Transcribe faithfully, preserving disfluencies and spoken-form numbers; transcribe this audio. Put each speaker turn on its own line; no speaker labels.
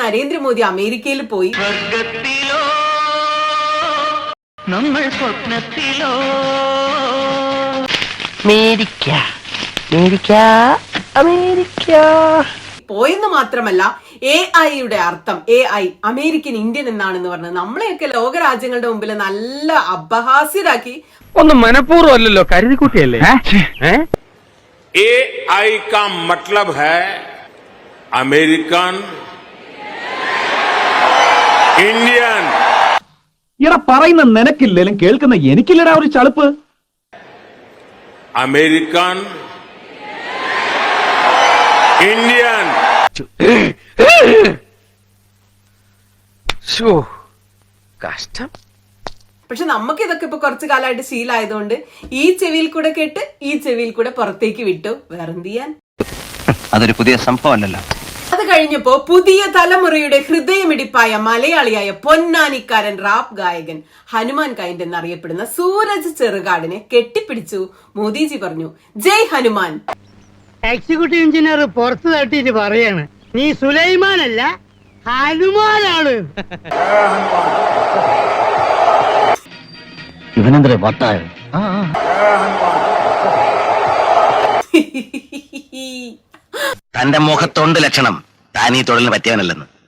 നരേന്ദ്രമോദി അമേരിക്കയിൽ പോയി.
നമ്മൾ സ്വപ്നത്തിലോ അമേരിക്ക അമേരിക്ക അമേരിക്ക
പോയെന്ന് മാത്രമല്ല, എ ഐയുടെ അർത്ഥം എ ഐ അമേരിക്കൻ ഇന്ത്യൻ എന്നാണെന്ന് പറഞ്ഞത് നമ്മളെയൊക്കെ ലോകരാജ്യങ്ങളുടെ മുമ്പിൽ നല്ല അപഹാസ്യരാക്കി.
ഒന്നും മനഃപൂർവ്വം അല്ലല്ലോ, കരുതിക്കുട്ടിയല്ലേ.
ए आई का मतलब है अमेरिकन इंडियन.
ഇട പറയുന്ന നിനക്കില്ലേലും കേൾക്കുന്ന എനിക്കില്ലടാ ഒരു ചളുപ്പ്.
American Indian.
കഷ്ടം.
പക്ഷെ നമുക്ക് ഇതൊക്കെ ഇപ്പൊ കുറച്ചു കാലമായിട്ട് ശീലമായതുകൊണ്ട് ഈ ചെവിയിൽ കൂടെ കേട്ട് ഈ ചെവിയിൽ കൂടെ പുറത്തേക്ക് വിട്ടു. വേറെന്ത് ചെയ്യാൻ?
അതൊരു പുതിയ സംഭവമല്ലല്ലോ.
അത് കഴിഞ്ഞപ്പോ പുതിയ തലമുറയുടെ ഹൃദയമിടിപ്പായ മലയാളിയായ പൊന്നാനിക്കാരൻ റാപ്പ് ഗായകൻ ഹനുമാൻ കൈൻഡ് എന്നറിയപ്പെടുന്ന സൂരജ് ചെറുകാടിനെ കെട്ടിപ്പിടിച്ചു മോദിജി പറഞ്ഞു, ജയ് ഹനുമാൻ.
എക്സിക്യൂട്ടീവ് എഞ്ചിനീയർ പുറത്തു തട്ടിട്ട് പറയാണ്, നീ സുലൈമാനല്ല ഹനുമാനാണ്.
ഇവനെന്തേ വട്ടായോ? തന്റെ മുഖത്തൊണ്ട് ലക്ഷണം താനീ തൊഴിലിന് പറ്റിയവനല്ലെന്ന്.